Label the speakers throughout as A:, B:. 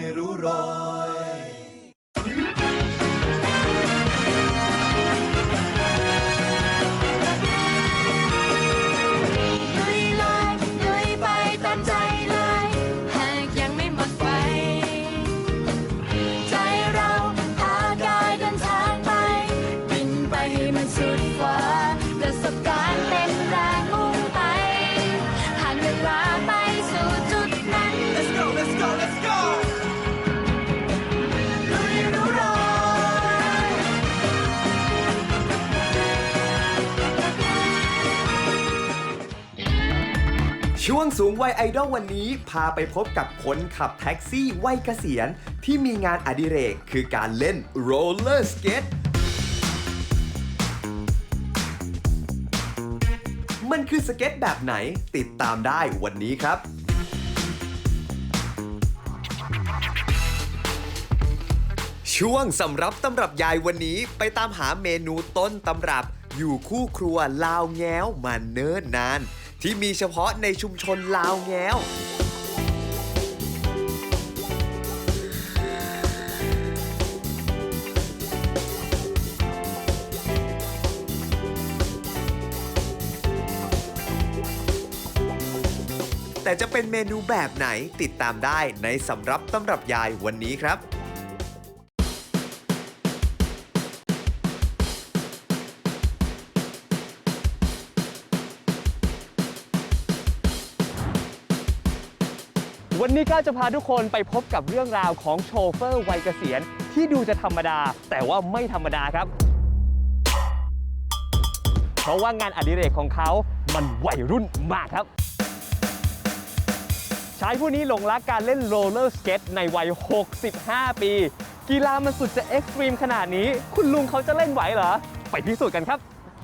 A: ไม่รู้รอย
B: ช่วงสูงวัยไอดอลวันนี้พาไปพบกับคนขับแท็กซี่วัยเกษียณที่มีงานอดิเรกคือการเล่นโรลเลอร์สเกตมันคือสเก็ตแบบไหนติดตามได้วันนี้ครับช่วงสำรับตำรับยายวันนี้ไปตามหาเมนูต้นตำรับอยู่คู่ครัวลาวแง้วมาเนิ่นนานที่มีเฉพาะในชุมชนลาวแง้วแต่จะเป็นเมนูแบบไหนติดตามได้ในสำรับตำรับยายวันนี้ครับ
C: วันนี้ก้าวจะพาทุกคนไปพบกับเรื่องราวของโชเฟอร์วัยเกษียณที่ดูจะธรรมดาแต่ว่าไม่ธรรมดาครับเพราะว่างานอดิเรกของเขามันวัยรุ่นมากครับชายผู้นี้หลงรักการเล่นโรลเลอร์สเก็ตในวัย 65 ปี กีฬามันสุดจะเอ็กซ์ตรีมขนาดนี้คุณลุงเขาจะเล่นไหวเหรอไปพิสูจน์กันครับ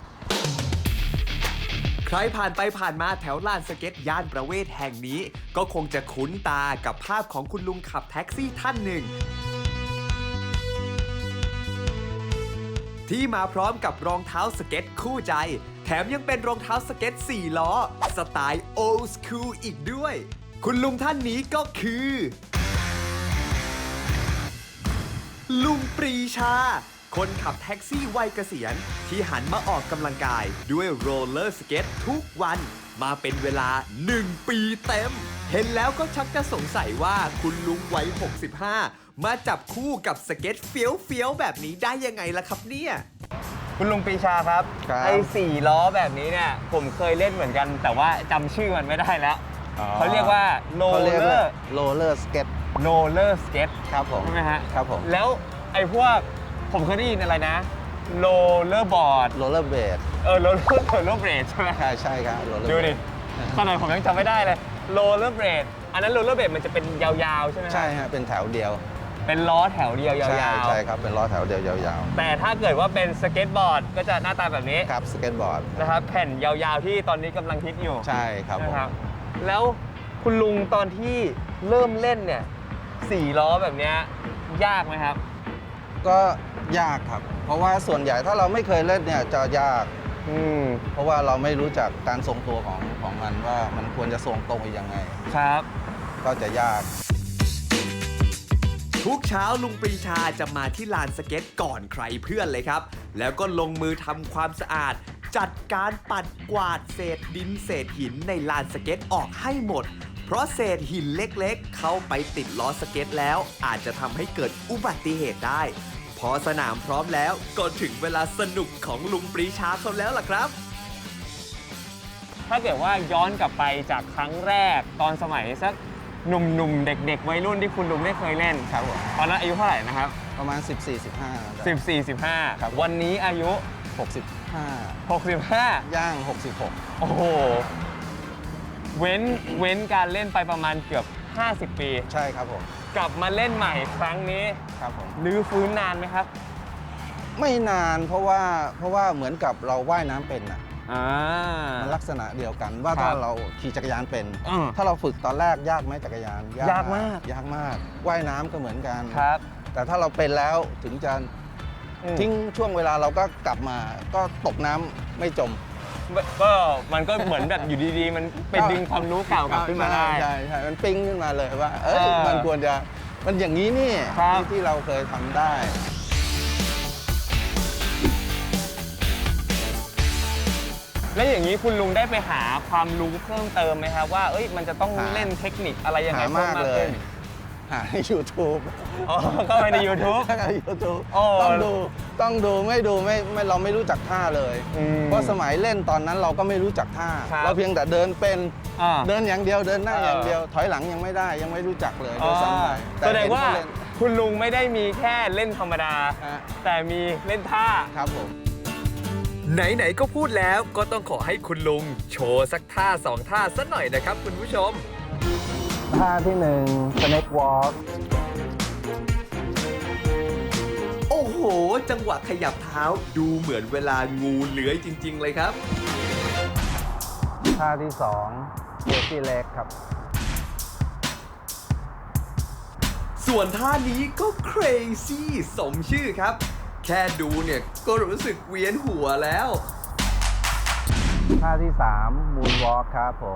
B: ใครผ่านไปผ่านมาแถวลานสเก็ตย่านประเวศแห่งนี้ก็คงจะคุ้นตากับภาพของคุณลุงขับแท็กซี่ท่านหนึ่งที่มาพร้อมกับรองเท้าสเก็ตคู่ใจแถมยังเป็นรองเท้าสเก็ต4 ล้อสไตล์โอลด์สคูลอีกด้วยคุณลุงท่านนี้ก็คือลุงปรีชาคนขับแท็กซี่วัยเกษียณที่หันมาออกกำลังกายด้วยโรลเลอร์สเก็ตทุกวันมาเป็นเวลา1 ปีเต็มเห็นแล้วก็ชักจะสงสัยว่าคุณลุงวัย 65มาจับคู่กับสเก็ตเฟี้ยวๆแบบนี้ได้ยังไงล่ะครับเนี่ย
C: คุณลุงปรีชาครับไอ้4 ล้อแบบนี้เนี่ยผมเคยเล่นเหมือนกันแต่ว่าจำชื่อมันไม่ได้แล้วเขาเรียกว่าโรลเลอร์
D: สเก็ตครับผม
C: ใช่ไหมฮะ
D: ครับผม
C: แล้วไอ้พวกผมเคยได้ยินอะไรนะโรลเลอร์บอร์ด
D: โรลเลอร์เบด
C: โรลเลอร์เบรดใช่ไหม
D: ใช่ครับ
C: ดูดิขนาดผมยังจำไม่ได้เลยโรลเลอร์เบรดอันนั้นโรลเลอร์เบรดมันจะเป็นยาวๆใช่ไหม
D: ใช่ฮะเป็นแถวเดียว
C: เป็นล้อแถวเดียวยาว
D: ใช่ครับเป็นล้อแถวเดียวยาว
C: แต่ถ้าเกิดว่าเป็นสเก็ตบอร์ดก็จะหน้าตาแบบนี้
D: ครับสเก็ตบอร์ด
C: นะครับแผ่นยาวๆที่ตอนนี้กำลังฮิตอยู่
D: ใช่ครับ
C: นะครับแล้วคุณลุงตอนที่เริ่มเล่นเนี่ย4 ล้อแบบนี้ยากไหมครับ
D: ก็ยากครับเพราะว่าส่วนใหญ่ถ้าเราไม่เคยเล่นเนี่ยจะยากเพราะว่าเราไม่รู้จักการทรงตัวของมันว่ามันควรจะทรงตรงยังไง
C: ครับ
D: ก็จะยาก
B: ทุกเช้าลุงปรีชาจะมาที่ลานสเก็ตก่อนใครเพื่อนเลยครับแล้วก็ลงมือทำความสะอาดจัดการปัดกวาดเศษดินเศษหินในลานสเก็ตออกให้หมดเพราะเศษหินเล็กๆเข้าไปติดล้อสเก็ตแล้วอาจจะทำให้เกิดอุบัติเหตุได้พอสนามพร้อมแล้วก็ถึงเวลาสนุกของลุงปรีชาเขาแล้วล่ะครับ
C: ถ้าเกิดว่าย้อนกลับไปจากครั้งแรกตอนสมัยสักหนุ่มๆเด็กๆวัยรุ่นที่คุณลุงได้เคยเล่น
D: ครับผม
C: ตอนนั้นอายุเท่าไหร่นะครับ
D: ประมาณ
C: 14-15ครับวันนี้อายุ
D: 65ย่าง66
C: โอ้โหเว้นการเล่นไปประมาณเกือบ50 ปี
D: ใช่ครับผม
C: กลับมาเล่นใหม่ครั้งนี้
D: ครับผม
C: รื้อฟื้นนานไหมครับ
D: ไม่นานเพราะว่าเหมือนกับเราว่ายน้ำเป็นอ่ะมันลักษณะเดียวกันว่าถ้าเราขี่จักรยานเป็นถ้าเราฝึกตอนแรกยากไหมจักรยาน
C: ยากม
D: ากว่ายน้ำก็เหมือนกัน
C: ครับ
D: แต่ถ้าเราเป็นแล้วถึงจะทิ้งช่วงเวลาเราก็กลับมาก็ตกน้ำไม่จม
C: ก็มันก็เหมือนแบบอยู่ดีๆมันไปดึงความรู้เก่ากลับขึ้นมาได้
D: ใช่มันปิ้งขึ้นมาเลยว่ามันมันอย่างนี้นี่
C: ครับ
D: ที่เราเคยทำได้
C: แล้วอย่างนี้คุณลุงได้ไปหาความรู้เพิ่มเติมไหมครับว่ามันจะต้อง
D: หา
C: เล่นเทคนิคอะไรยังไง
D: หามากเลย
C: ขึ้น
D: หาใน YouTube
C: อ๋อเข้าไปใน YouTube
D: ใน YouTube
C: โอ้
D: ต้องดูไม่ดูไม่เราไม่รู้จักท่าเลย
C: อืม
D: เพราะสมัยเล่นตอนนั้นเราก็ไม่รู้จักท่า
C: ครับ
D: เราเพียงแต่เดินเป็น
C: อ่า
D: เดินอย่างเดียวเดินหน้า
C: เออ
D: อ
C: อ
D: ย่างเดียวถอยหลังยังไม่ได้ยังไม่รู้จักเลยโดยซ้ำไป
C: แสดงว่า
D: เห็นเขเล่น
C: คุณลุงไม่ได้มีแค่เล่นธรรมดา
D: ฮะ
C: แต่มีเล่นท่า
D: ครับผม
B: ไหนๆก็พูดแล้วก็ต้องขอให้คุณลุงโชว์สักท่าสองท่าสักหน่อยนะครับคุณผู้ชม
D: ท่าที่1 Snake Walk
B: โอ้โห จังหวะขยับเท้าดูเหมือนเวลางูเลื้อยจริง ๆ เลยครับ
D: ท่าที่2 Crazy Leg ครับ
B: ส่วนท่านี้ก็ crazy สมชื่อครับ แค่ดูเนี่ยก็รู้สึกเวียนหัวแล้ว
D: ท่าที่3 Moonwalk ครับผม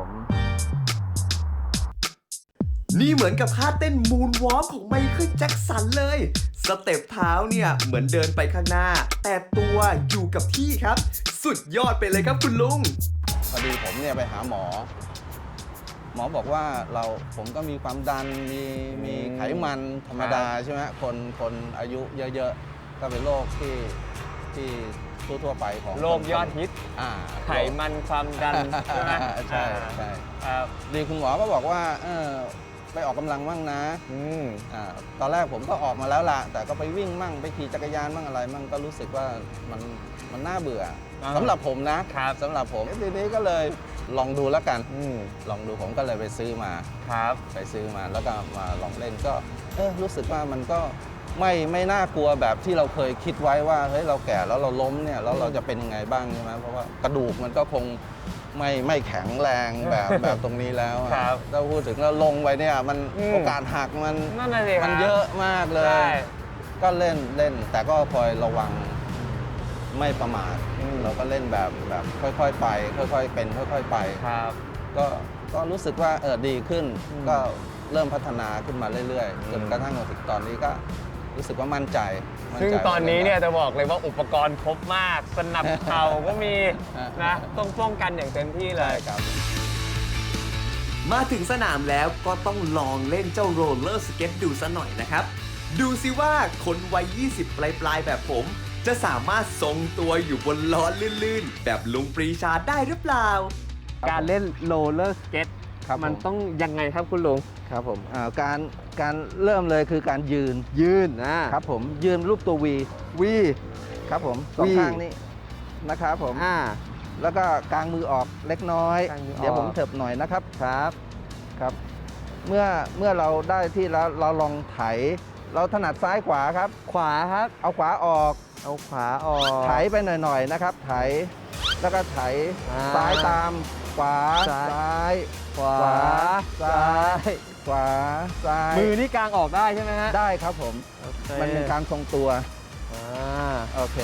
B: นี่เหมือนกับท่าเต้นมูนวอล์กของไมเคิลแจ็คสันเลย สเต็ปเท้าเนี่ยเหมือนเดินไปข้างหน้า แต่ตัวอยู่กับที่ครับ สุดยอดไปเลยครับคุณลุง
D: พอดีผมเนี่ยไปหาหมอ หมอบอกว่าผมก็มีความดันมีไขมันธรรมดาใช่ไหมคนอายุเยอะๆ ก็เป็นโรคที่ทั่วๆไปของ
C: โรคยอดฮิต
D: อ่า
C: ไขมันความดันใช่ไหม
D: ใช่ใช่
C: ครับ
D: ดีคุณหมอก็บอกว่าไปออกกำลังบ้างนะ
C: อืม
D: ตอนแรกผมก็ออกมาแล้วล่ะ แต่ก็ไปวิ่งมั่งไปขี่จักรยานมั่งอะไรมั่งก็รู้สึกว่ามันน่าเบื่อ
C: อ่า
D: สำหรับผมนะครับ สำหรับผมทีนี้ก็เลยลองดูแล้วกัน
C: อืม
D: ลองดูผมก็เลยไปซื้อมา
C: ครับ
D: ไปซื้อมาแล้วก็มาลองเล่นก็รู้สึกว่ามันก็ไม่น่ากลัวแบบที่เราเคยคิดไว้ว่าเฮ้ยเราแก่แล้วเราล้มเนี่ยแล้วเราจะเป็นยังไงบ้างใช่ไหมเพราะว่ากระดูกมันก็คงไม่แข็งแรงแบบตรงนี้แล้วอะ
C: ครับ
D: ถ้าพูดถึงแล้วลงไปเนี่ยมัน
C: อืม
D: โอกาสหักมัน
C: นั่นน่ะสิครับ
D: มันเยอะมากเล
C: ใช่
D: ย ก็เล่นแต่ก็คอยระวังไม่ประมาท
C: อืม
D: เราก็เล่นแบบค่อยๆไป ค่อยๆเป็นค่อยๆไป
C: ครับ
D: ก็รู้สึกว่าดีขึ้น
C: อืม
D: ก็เริ่มพัฒนาขึ้นมาเรื่อยๆจนกระทั่งมาถึงตอนนี้ก็รู้สึกว่ามั่นใจ
C: ซึ่งตอนนี้เนี่ยจะบอกเลยว่าอุปกรณ์ครบมาก สนับเข่าก็มีนะต้องป้องกันอย่างเต็มที่เล
D: ใช่
C: ย
D: ครับ
B: มาถึงสนามแล้วก็ต้องลองเล่นเจ้าโรลเลอร์สเก็ตดูซะหน่อยนะครับ ดูสิว่าคนวัย 20 ปลายๆ แบบผม จะสามารถทรงตัวอยู่บนล้อลื่นๆ แบบลุงปรีชาได้หรือเปล่า
C: การเล่นโรลเลอร์สเก็ต
D: ครับ
C: มัน
D: ผม
C: ต้องยังไงครับคุณลุง
D: ครับผมการเริ่มเลยคือการยืน ครับผมยืนรูปตัว V ครับผมสอง
C: V
D: ข้างนี้นะครับผมแล้วก็กางมือออกเล็กน้อย
C: กางมือออก
D: เดี๋ยวผมเถิบหน่อยนะครับครับ เมื่อเราได้ที่แล้วเราลองไถ เราถนัดซ้ายขวาครับ
C: ขวาครับ
D: เอาขวาออก
C: เอาขวาออก
D: ไถไปหน่อยๆนะครับ ไถแล้วก็ไถ
C: อ่า
D: ซ้ายตามขวา
C: ซ้าย
D: ซ้าย
C: ขวา
D: ซ้ายขวาซ้าย
C: มือนี่กางออกได้ใช่ไหมฮะ
D: ได้ครับผม
C: โอเค
D: มันเป็นการทรงตัว
C: อ่า
D: โอเค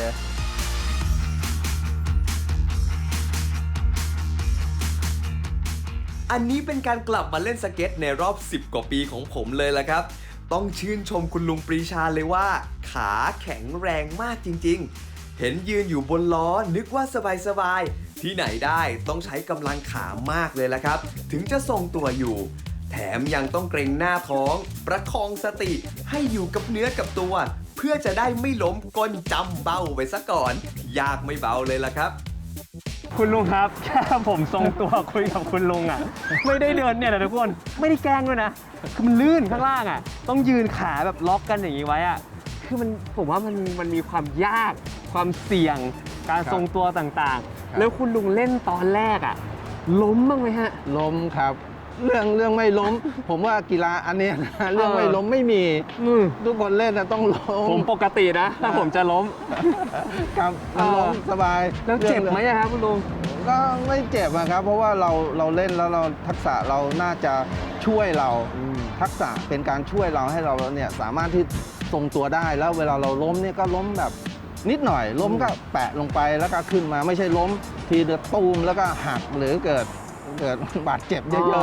B: อันนี้เป็นการกลับมาเล่นสเก็ตในรอบ 10 กว่าปีของผมเลยละครับ ต้องชื่นชมคุณลุงปรีชาเลยว่า ขาแข็งแรงมากจริงๆ เห็นยืนอยู่บนล้อนึกว่าสบายๆ ที่ไหนได้ต้องใช้กำลังขามากเลยละครับ ถึงจะทรงตัวอยู่ แถมยังต้องเกรงหน้าท้อง ประคองสติให้อยู่กับเนื้อกับตัว เพื่อจะได้ไม่ล้มก้นจำเบ้าไปซะก่อน ยากไม่เบาเลยละครับ
C: คุณลุงครับ แค่ผมทรงตัวคุยกับคุณลุงอ่ะ ไม่ได้เดินเนี่ยนะทุกคนไม่ได้แกล้งด้วยนะ คือมันลื่นข้างล่างอ่ะ ต้องยืนขาแบบล็อกกันอย่างนี้ไว้อ่ะ คือผมว่ามันมีความยาก ความเสี่ยง การทรงตัวต่างๆ แล้วคุณลุงเล่นตอนแรกอ่ะ ล้มบ้างไหมฮะ
D: ล้มครับ เรื่องไม่ล้ม ผมว่ากีฬาอันเนี้ยนะเรื่องไม่ล้มไม่มี ทุกคนเล่นนะต้องล้ม
C: ผมปกตินะ ถ้าผมจะล้ม
D: ครับมันล้มสบาย
C: แล้วเจ็บไหมอะครับคุณลุง
D: ก็ไม่เจ็บอะครับ เพราะว่าเราเล่นแล้วเราทักษะเราน่าจะช่วยเรา ทักษะเป็นการช่วยเราให้เราเนี่ยสามารถที่ทรงตัวได้แล้วเวลาเราล้มเนี่ยก็ล้มแบบนิดหน่อย ล้มก็แปะลงไปแล้วก็ขึ้นมาไม่ใช่ล้มทีเดียวตูมแล้วก็หักหรือเกิดบาดเจ็บเยอะๆ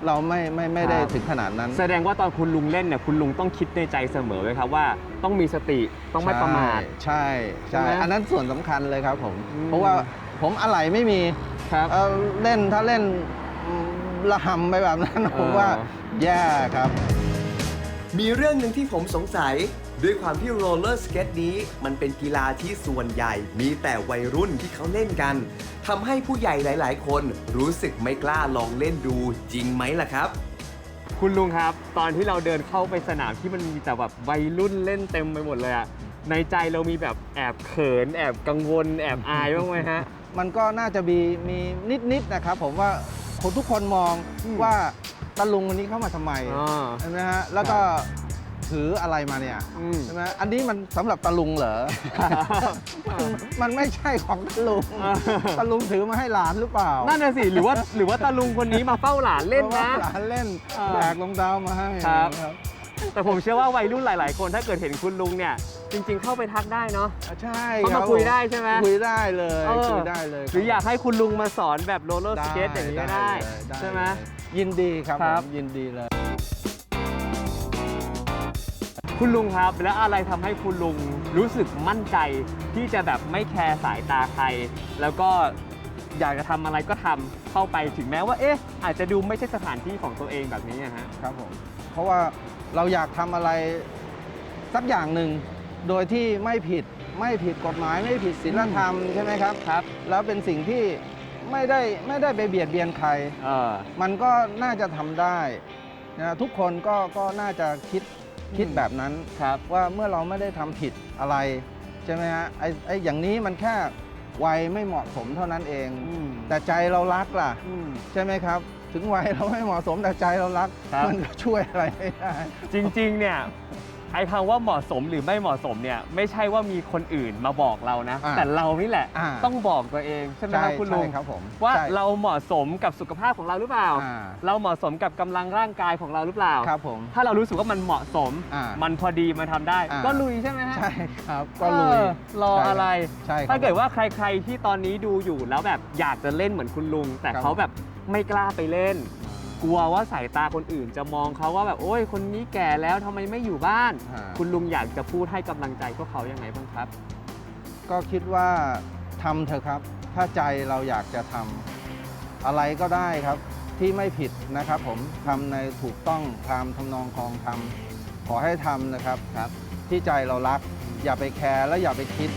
D: เราไม่ได้ถึงขนาดนั้น
C: แสดงว่าตอนคุณลุงเล่นเนี่ยคุณลุงต้องคิดในใจเสมอไว้ครับว่าต้องมีสติต้องไม่ประมาท
D: ใช่
C: ใช่ไหม
D: อันนั้นส่วนสำคัญเลยครับผม
C: อืม
D: เพราะว่าผมอะไหล่ไม่มี
C: ครับ
D: ถ้าเล่นระหำไปแบบนั้นผมว่าแย่ครับ
B: มีเรื่องหนึ่งที่ผมสงสัย ด้วยความที่โรลเลอร์สเก็ตนี้มันเป็นกีฬาที่ส่วนใหญ่มีแต่วัยรุ่นที่เขาเล่นกันทำให้ผู้ใหญ่หลาย ๆ คนรู้สึกไม่กล้าลองเล่นดูจริงไหมล่ะครับ
C: คุณลุงครับ ตอนที่เราเดินเข้าไปสนามที่มันมีแต่แบบวัยรุ่นเล่นเต็มไปหมดเลยอะในใจเรามีแบบแอบเขินแอบกังวลแอบอายบ้างไหมฮะ
D: มันก็น่าจะมีนิดนะครับผมว่าคนทุกคนมองว่าตาลุงคนนี้เข้ามาทำไม
C: อ๋อ
D: ใช่ไหมฮะแล้วก็ถืออะไรมาเนี่ย
C: อืม
D: ใช่ไหมอันนี้มันสำหรับตาลุงเหรอ มันไม่ใช่ของตาลุง
C: อ่า
D: ตาลุงถือมาให้หลานหรือเปล่า
C: นั่นน่ะสิหรือว่าตาลุงคนนี้มาเฝ้าหลานเล่นนะ
D: หลานเล่น
C: อ่า
D: แบกรองเท้ามาให้
C: ครับ แต่ผมเชื่อว่าวัยรุ่นหลาย ๆ คนถ้าเกิดเห็นคุณลุงเนี่ยจริง ๆ เข้าไปทักได้เนาะ
D: ใช่
C: เข้ามา
D: รับ
C: คุยได้ใช่ไหม
D: คุยได้เลย
C: เออ
D: คุยได้เลย
C: หรืออยากให้คุณลุงมาสอนแบบโรลเลอร์สเก็ตอย่างนี้ก็ได้
D: เลย
C: ใช่ไหม
D: เลยยินดีครับ
C: ครับ
D: ผมยินดีเลย
C: คุณลุงครับแล้วอะไรทำให้คุณลุงรู้สึกมั่นใจที่จะแบบไม่แคร์สายตาใคร แล้วก็อยากจะทำอะไรก็ทำเข้าไปถึงแม้ว่าอาจจะดูไม่ใช่สถานที่ของตัวเองแบบนี้นะฮะ
D: ครับผมเพราะว่าเราอยากทำอะไรสักอย่างหนึ่งโดยที่ไม่ผิดกฎหมายไม่ผิดศีลธรรมใช่ไหมครับ
C: ครับ
D: แล้วเป็นสิ่งที่ไม่ได้ไปเบียดเบียนใคร มันก็น่าจะทำได้นะทุกคนก็น่าจะคิดแบบนั้น
C: ครับ
D: ว่าเมื่อเราไม่ได้ทำผิดอะไรใช่ไหมฮะไอ้อย่างนี้มันแค่วัยไม่เหมาะสมเท่านั้นเอง แต่ใจเรารักล่ะ ใช่ไหมครับ ถึงวัยเราไม่เหมาะสมแต่ใจเรารัก
C: ครับ
D: มันก็ช่วยอะไรไม่ได้
C: จริงๆ เนี่ยไอ้คำว่าเหมาะสมหรือไม่เหมาะสมเนี่ยไม่ใช่ว่ามีคนอื่นมาบอกเรานะ
D: อ่า
C: แต่เรานี่แหละ
D: อ่า
C: ต้องบอกตัวเองใช่ไหมครับคุณลุง
D: ใช่ครับผม
C: ว่า
D: ใช่
C: เราเหมาะสมกับสุขภาพของเราหรือเปล่า
D: อ่า
C: เราเหมาะสมกับกำลังร่างกายของเราหรือเปล่า
D: ครับผม
C: ถ้าเรารู้สึกว่ามันเหมาะสม
D: อ่า
C: มันพอดีมันทำได้
D: อ่า
C: ก็ลุยใช่ไหมฮะ
D: ใช่ครับก็ลุย
C: รออะไร
D: ใช่ครับ
C: ถ้าเกิดว่าใครๆที่ตอนนี้ดูอยู่แล้วแบบอยากจะเล่นเหมือนคุณลุง แต่
D: ครับ
C: เขาแบบไม่กล้าไปเล่น กลัวว่าสายตาคนอื่นจะมองเขาว่าแบบโอ้ยคนนี้แก่แล้วทำไมไม่อยู่บ้าน คุณลุงอยากจะพูดให้กำลังใจพวกเขายังไงบ้างครับ
D: ก็คิดว่าทำเถอะครับ ถ้าใจเราอยากจะทำอะไรก็ได้ครับ ที่ไม่ผิดนะครับ ผมทำในถูกต้องตามทำนองคลองธรรมขอให้ทำนะครับ ที่ใจเรารัก อย่าไปแคร์และอย่าไปคิด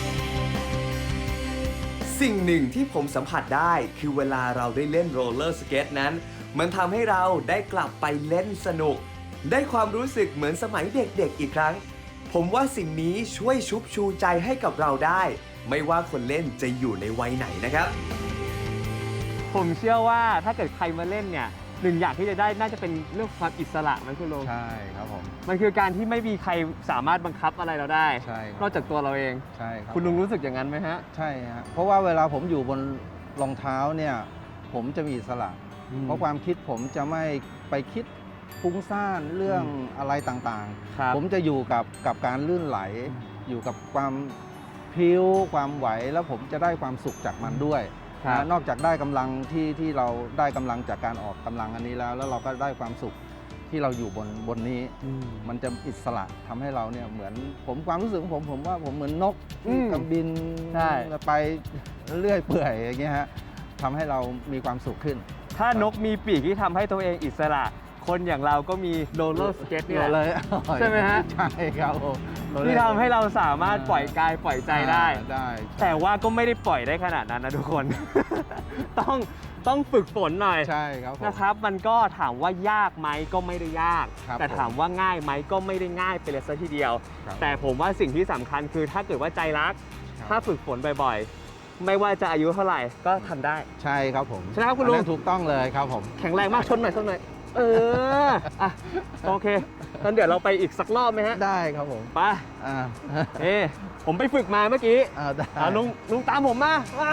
B: สิ่งหนึ่งที่ผมสัมผัสได้คือเวลาเราได้เล่นโรลเลอร์สเก็ตนั้น มันทำให้เราได้กลับไปเล่นสนุก ได้ความรู้สึกเหมือนสมัยเด็กๆอีกครั้ง ผมว่าสิ่งนี้ช่วยชุบชูใจให้กับเราได้ ไม่ว่าคนเล่นจะอยู่ในวัยไหนนะครับ
C: ผมเชื่อว่าถ้าเกิดใครมาเล่นเนี่ยหนึ่งอย่างที่จะได้น่าจะเป็นเรื่องความอิสระไหมคุณลุง
D: ใช่ครับผม
C: มันคือการที่ไม่มีใครสามารถบังคับอะไรเราได้
D: ใช่ครับ
C: นอกจากตัวเราเอง
D: ใช่ครับ
C: คุณลุงรู้สึกอย่างนั้นไหมฮะ
D: ใช่ฮะเพราะว่าเวลาผมอยู่บนรองเท้าเนี่ยผมจะมีอิสระ เพราะความคิดผมจะไม่ไปคิดฟุ้งซ่านเรื่องอะไรต่าง
C: ครับ
D: ๆ ผมจะอยู่กับการลื่นไหล อยู่กับความพริ้วความไหวแล้วผมจะได้ความสุขจากมันด้วย
C: ครับ
D: นะนอกจากได้กำลังที่เราได้กำลังจากการออกกำลังอันนี้แล้วเราก็ได้ความสุขที่เราอยู่บนนี้ มันจะอิสระทำให้เราเนี่ยเหมือนความรู้สึกของผมว่าผมเหมือนนกที่กำบิน
C: ใช่
D: ไปเรื่อยเปื่อยอย่างเงี้ยฮะทำให้เรามีความสุขขึ้น
C: ถ้านกมีปีกที่ทำให้ตัวเองอิสระ คนอย่างเราก็มีโรลเลอร์สเก็ตนี่แหละ
D: เลย
C: ใช่ไหมฮะ
D: ใช่ครับผม
C: ที่ทำให้เราสามารถปล่อยกายปล่อยใจได้
D: ได้
C: แต่ว่าก็ไม่ได้ปล่อยได้ขนาดนั้นนะทุกคน ต้องฝึกฝนหน่อย
D: ใช่ครับผม
C: นะครับ มันก็ถามว่ายากไหมก็ไม่ได้ยาก
D: ครับ
C: แต่ถามว่าง่ายไหมก็ไม่ได้ง่ายไปเลยซะทีเดียว
D: ครับ
C: แต่ผมว่าสิ่งที่สำคัญคือถ้าเกิดว่าใจรัก
D: ครับ
C: ถ้าฝึกฝนบ่อยๆ ไม่ว่าจะอายุเท่าไหร่ก็ทำได้
D: ใช่ครับผม
C: ใช่ไหมครับคุณลุง
D: อันนั้นถูกต้องเลยครับผม
C: แข็งแรงมากชนหน่อยอ่ะโอเคงั้นเดี๋ยวเราไปอีกสักรอบไหมฮะ
D: ได้ครับผม
C: ไป
D: อ่า
C: ผมไปฝึกมาเมื่อกี้
D: ได้
C: ลุงตามผมมา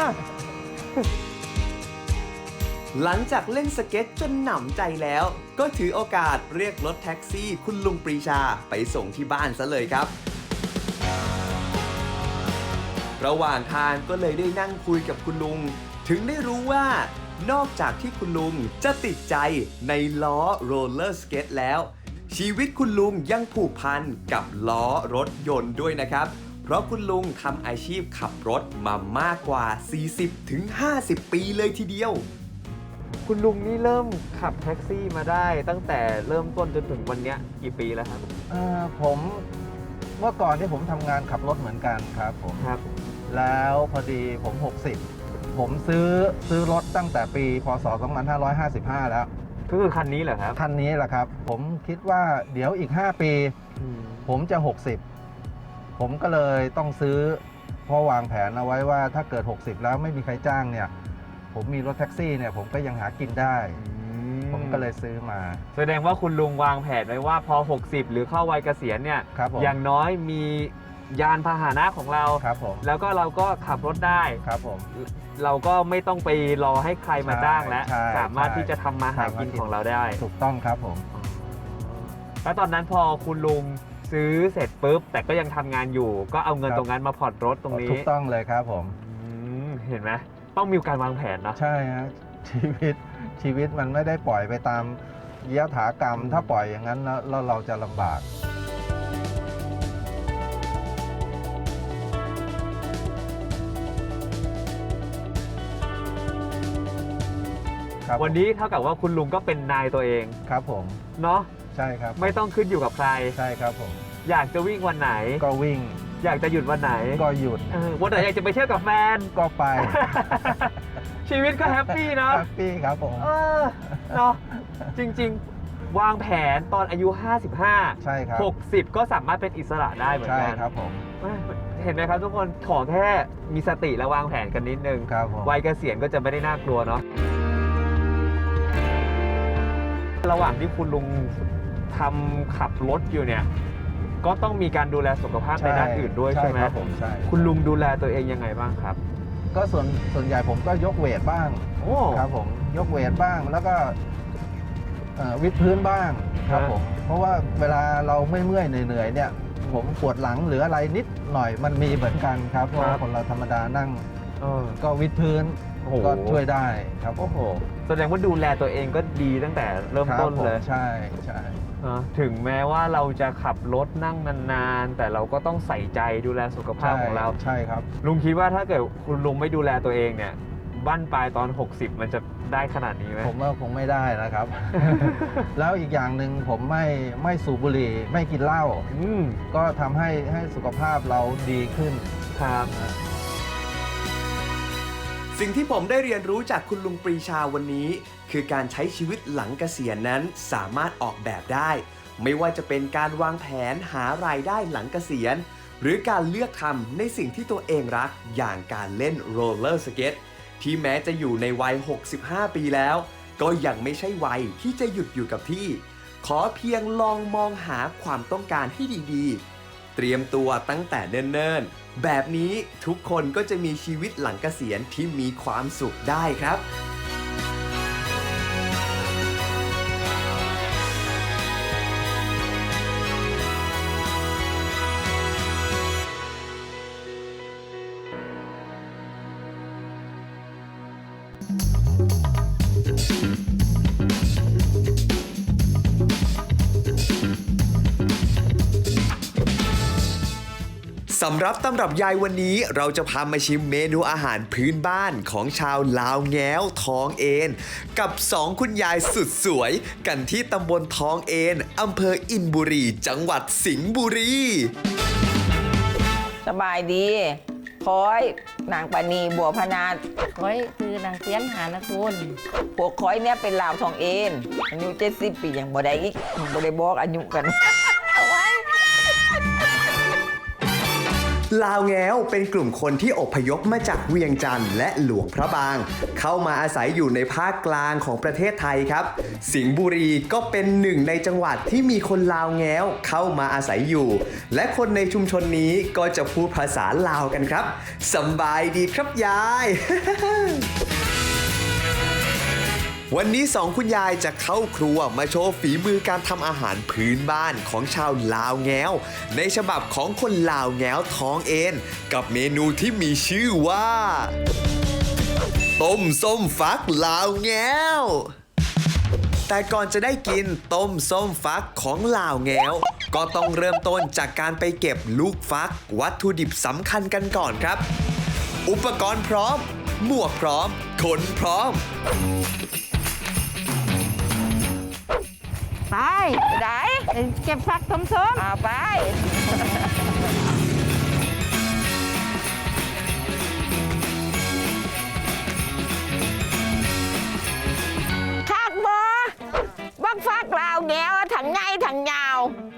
B: หลังจากเล่นสเก็ตจนหนำใจแล้ว ก็ถือโอกาสเรียกรถแท็กซี่คุณลุงปรีชาไปส่งที่บ้านซะเลยครับ ระหว่างทางก็เลยได้นั่งคุยกับคุณลุง ถึงได้รู้ว่านอกจากที่คุณลุงจะติดใจในล้อโรลเลอร์สเก็ตแล้ว ชีวิตคุณลุงยังผูกพันกับล้อรถยนต์ด้วยนะครับ เพราะคุณลุงทำอาชีพขับรถมามากกว่า 40-50 ปีเลยทีเดียว
C: คุณลุงนี่เริ่มขับแท็กซี่มาได้ตั้งแต่เริ่มต้นจนถึงวันเนี้ยกี่ปีแล้วครับ
D: ผมเมื่อก่อนที่ผมทำงานขับรถเหมือนกันครับผม
C: ครับ
D: แล้วพอดีผม 60 ผมซื้อรถตั้งแต่ปีพศ 2555 แล้ว
C: ก็คือคันนี้เหรอครับ
D: คันนี้แหละครับ ผมคิดว่าเดี๋ยวอีก 5 ปี ผมจะ 60 ผมก็เลยต้องซื้อเพราะวางแผนเอาไว้ว่าถ้าเกิด 60 แล้วไม่มีใครจ้างเนี่ย ผมมีรถแท็กซี่เนี่ยผมก็ยังหากินได้ ผมก็เลยซื้อมา
C: แสดงว่าคุณลุงวางแผนไว้ว่าพอ 60 หรือเข้าวัยเกษียณเนี่ย
D: ครับผม
C: อย่างน้อยมียานพาหนะของเรา
D: ครับผม
C: แล้วก็เราก็ขับรถได้
D: ครับผม
C: เราก็ไม่ต้องไปรอให้ใครมาจ้างแล้ว
D: ใช่
C: สามารถที่จะทำมาหากินของเราได้
D: ถูกต้องครับผม
C: แล้วตอนนั้นพอคุณลุงซื้อเสร็จปุ๊บ แต่ก็ยังทำงานอยู่ ก็เอาเงิน
D: ครับ
C: ตรงนั้นมาผ่อนรถตรงนี้
D: ถูกต้องเลยครับผม
C: เห็นไหมต้องมีการวางแผนเนาะ
D: ใช่ฮะชีวิตมันไม่ได้ปล่อยไปตามยถากรรม ถ้าปล่อยอย่างนั้นแล้วเราจะลำบากครับ
C: วันนี้เท่ากับว่าคุณลุงก็เป็นนายตัวเอง
D: ครับผม
C: เนาะ
D: ใช่ครับ
C: ไม่ต้องขึ้นอยู่กับใคร
D: ใช่ครับผม
C: อยากจะวิ่งวันไหน
D: ก็วิ่ง
C: อยากจะหยุดวันไหน
D: ก็หยุด
C: วันไหนอยากจะไปเที่ยวกับแฟน
D: ก็ไป
C: ชีวิตก็แฮปปี้เนาะ
D: แฮปปี้ครับผม
C: เนาะจริงๆ วางแผนตอนอายุ 55
D: ใช่ครับ
C: 60 ก็สามารถเป็นอิสระได้เหมือน
D: ใช่
C: กัน
D: ครับผม
C: เห็นไหมครับทุกคนขอแค่มีสติและวางแผนกันนิดนึง
D: ครับผม
C: วัยเกษียณก็จะไม่ได้น่ากลัวเนาะระหว่างที่คุณลุงทำขับรถอยู่เนี่ย ก็ต้องมีการดูแลสุขภาพในด้านอื่นด้วยใช่ไหม
D: ครับผมใช่
C: คุณลุงดูแลตัวเองยังไงบ้างครับ
D: ก็ส่วนใหญ่ผมก็ยกเวทบ้าง
C: โอ้
D: ครับผมยกเวทบ้างแล้วก็วิดพื้นบ้างครับผมเพราะว่าเวลาเราเมื่อยเหนื่อยเนี่ยผมปวดหลังหรืออะไรนิดหน่อยมันมีเหมือนกันครับเพราะว่าคนเราธรรมดานั่ง ก็วิดพื้น
C: โอ้โห
D: ก็ช่วยได้ครับผม
C: โอ้โหแสดงว่าดูแลตัวเองก็ดีตั้งแต่เริ่มต้นเลย
D: ใช่ใช่
C: ถึงแม้ว่าเราจะขับรถนั่งนานๆแต่เราก็ต้องใส่ใจดูแลสุขภาพของเรา
D: ใช่ครับ
C: ลุงคิดว่าถ้าเกิดคุณลุงไม่ดูแลตัวเองเนี่ยบั้นปลายตอน 60 มันจะได้ขนาดนี้ไหม
D: ผมว่าคงไม่ได้นะครับ แล้วอีกอย่างหนึ่งผมไม่สูบบุหรี่ไม่กินเหล้าก็ทำให้สุขภาพเราดีขึ้น
C: ครับ
B: สิ่งที่ผมได้เรียนรู้จากคุณลุงปรีชาวันนี้ คือการใช้ชีวิตหลังเกษียณนั้นสามารถออกแบบได้ ไม่ว่าจะเป็นการวางแผนหารายได้หลังเกษียณ หรือการเลือกทำในสิ่งที่ตัวเองรักอย่างการเล่นโรลเลอร์สเก็ตที่แม้จะอยู่ในวัย 65 ปีแล้ว ก็ยังไม่ใช่วัยที่จะหยุดอยู่กับที่ ขอเพียงลองมองหาความต้องการให้ดีๆ เตรียมตัวตั้งแต่เนิ่นๆแบบนี้ทุกคนก็จะมีชีวิตหลังเกษียณที่มีความสุขได้ครับ สำหรับตำรับยายวันนี้เราจะพามาชิมเมนูอาหารพื้นบ้านของชาวลาวแง้วท้องเอนกับ2คุณยายสุดสวยกันที่ตำบลท้องเอนอำเภออินบุรีจังหวัดสิงห์บุรี
A: สบายดีคอยนางปานีบัวพนาด
E: ก้อยคือนางเสียนหานะคุณ
A: พวกคอยเนี่ยเป็นลาวทองเอ็นอายุ70 ปีอย่างบ่ได้อีกบ่ได้บอกอายุกัน
B: ลาวแง้วเป็นกลุ่มคนที่อพยพมาจากเวียงจันทร์และหลวงพระบาง เข้ามาอาศัยอยู่ในภาคกลางของประเทศไทยครับ สิงห์บุรีก็เป็นหนึ่งในจังหวัดที่มีคนลาวแง้วเข้ามาอาศัยอยู่ และคนในชุมชนนี้ก็จะพูดภาษาลาวกันครับสำบายดีครับยาย วันนี้2คุณยายจะเข้าครัวมาโชว์ฝีมือการทำอาหารพื้นบ้านของชาวลาวแง้วในฉบับของคนลาวแง้วท้องเอนกับเมนูที่มีชื่อว่าต้มส้มฟักลาวแง้ว แต่ก่อนจะได้กินต้มส้มฟักของลาวแง้ว ก็ต้องเริ่มต้นจากการไปเก็บลูกฟักวัตถุดิบสำคัญกันก่อนครับ อุปกรณ์พร้อม หมวกพร้อม คนพร้อม
E: ไป
A: ได้
E: เก็บผักส้ม
A: เอาไปคักบ่บักฟักลาวแง้วถังไงถังยาว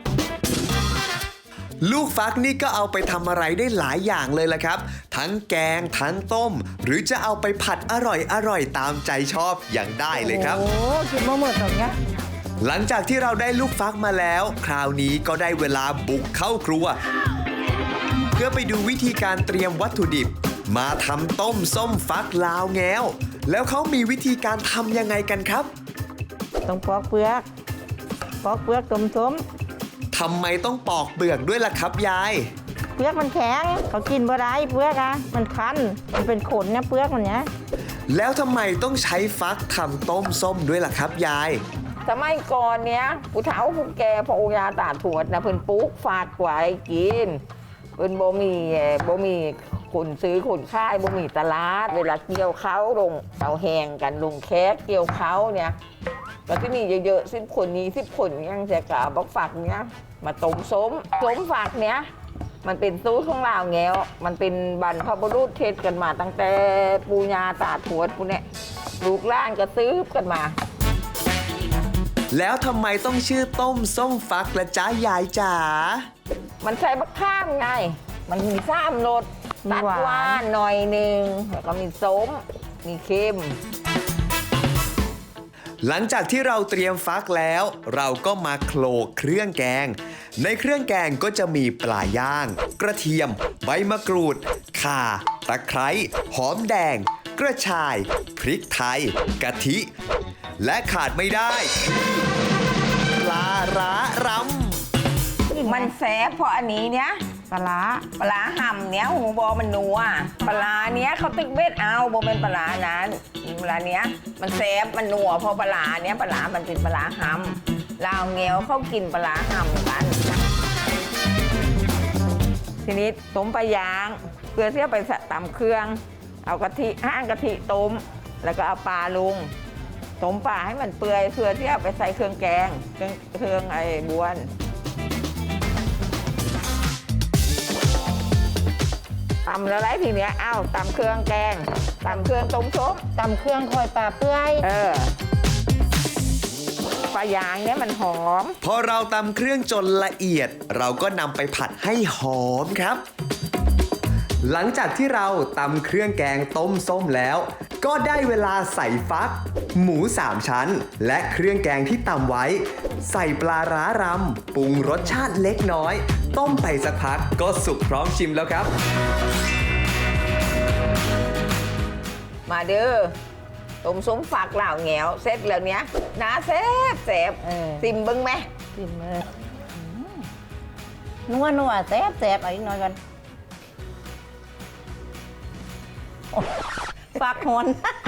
B: ลูกฟักนี่ก็เอาไปทำอะไรได้หลายอย่างเลยละครับ ทั้งแกงทั้งต้ม หรือจะเอาไปผัดอร่อยตามใจชอบอย่างได้เลยครับ
E: โอ้กินมาหมดตรงเนี้ย
B: หลังจากที่เราได้ลูกฟักมาแล้ว คราวนี้ก็ได้เวลาบุกเข้าครัว เพื่อไปดูวิธีการเตรียมวัตถุดิบ มาทำต้มส้มฟักลาวแง้ว แล้วเขามีวิธีการทำยังไงกันครับ
E: ต้องปอกเปลือกส้ม
B: ทำไมต้องปอกเปลือกด้วยล่ะครับยาย
E: เปลือกมันแข็งเขากินบ่ได้เปลือกอะมันคันมันเป็นขนนะเปลือกมันเนี้ย
B: แล้วทำไมต้องใช้ฟักทำต้มส้มด้วยล่ะครับยาย
A: สมัยก่อนเนี้ยผู้เฒ่าผู้แก่พ่อโอยาตาทวดนะเพิ่นปลูกฝากไว้กินเพิ่นบ่มีคนซื้อคนขายบ่มีตลาด เวลาเกี่ยวเขาลงเอาแหงกันลงแคกเกี่ยวเขาเนี่ยก็ที่มีเยอะๆ10 คน20 คนยังจะกะบักฝักเนี้ยมาต้มส้มฝากเนี้ยมันเป็นสูตรของลาวแง้วมันเป็นบรรพบุรุษเทศกันมาตั้งแต่ปู่ย่าตาทวดพวกเนี้ยลูกหลานก็ซื้อกันมา
B: แล้วทำไมต้องชื่อต้มส้มฟักละจ้ายายจ๋า
A: มันใส่บักข้ามไง มันมี3 รสตัดหวานหน่อยหนึ่งแล้วก็มีส้ม มีเค็ม
B: หลังจากที่เราเตรียมฟักแล้ว เราก็มาโขลกเครื่องแกง ในเครื่องแกงก็จะมีปลาย่าง กระเทียม ใบมะกรูด ข่า ตะไคร้ หอมแดง กระชาย พริกไทย กะทิ และขาดไม่ได้คือปลาร้ารำ
A: มันแสบเพราะอันนี้เนี้ย
E: ปลาร้า
A: ปลาห่ำเนี้ยหูบอมันนัวปลาเนี้ยเขาตึกเบ็ดเอาบอเป็นปลานั้นปลาเนี้ยมันแสบมันนัวเพราะปลาเนี้ยปลามันเป็นปลาห่ำลาวแงวเขากินปลาห่ำกัน ทีนี้ต้มปลายางเพื่อที่จะไปตำเครื่อง เอากะทิห้างกะทิต้มแล้วก็เอาปลาลงต้มปลาให้มันเปื่อยเพื่อที่จะไปใส่เครื่องแกงเครื่องไอ้บวนตำแล้วไรทีเนี้ยอ้าวตำเครื่องแกงตำเครื่องต้มซุป
E: ตำเครื่องคอยปลาเปื่อย
A: ปลายางเนี้ยมันหอม
B: พอเราตำเครื่องจนละเอียด เราก็นำไปผัดให้หอมครับ หลังจากที่เราตำเครื่องแกงต้มส้มแล้ว ก็ได้เวลาใส่ฟัก หมู 3 ชั้น และเครื่องแกงที่ตำไว้ ใส่ปลาร้ารำปรุงรสชาติเล็กน้อย ต้มไปสักพักก็สุกพร้อมชิมแล้วครับ
A: มาเด้อต้มส้มฝักเหล่าแงวเสร็จแล้วเนี้ยน้าแซ่บซิมเบิ้งไหม
E: กินเลยนัวแซ่บเอาอีกหน่อยก่อนฝากหอน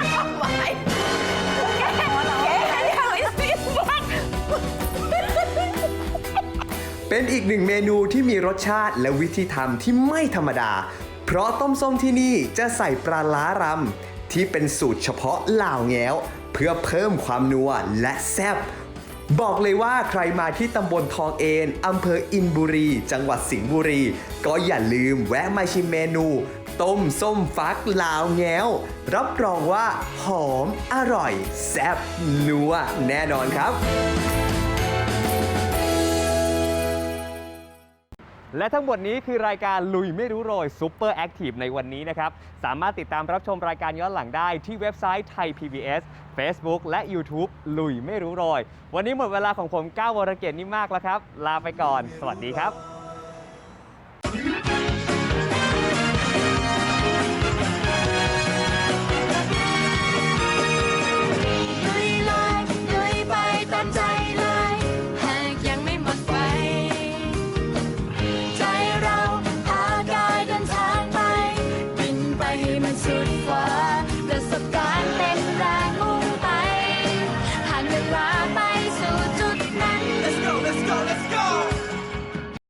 B: เป็นอีกหนึ่งเมนูที่มีรสชาติและวิธีทำที่ไม่ธรรมดา เพราะต้มส้มที่นี่จะใส่ปลาร้ารำที่เป็นสูตรเฉพาะลาวแง้ว เพื่อเพิ่มความนัวและแซ่บบอกเลยว่าใครมาที่ตำบลทองเอนอำเภออินบุรี จังหวัดสิงห์บุรี ก็อย่าลืมแวะมาชิมเมนู ต้มส้มฟักลาวแง้ว รับรองว่าหอมอร่อยแซ่บนัวแน่นอนครับ
C: และทั้งหมดนี้คือรายการลุยไม่รู้โรยซูเปอร์แอคทีฟในวันนี้นะครับ สามารถติดตามรับชมรายการย้อนหลังได้ที่เว็บไซต์ไทย PBS Facebook และ YouTube ลุยไม่รู้โรย วันนี้หมดเวลาของผมก้าววรเกียรตินิ่มมากแล้วครับ ลาไปก่อน สวัสดีครับ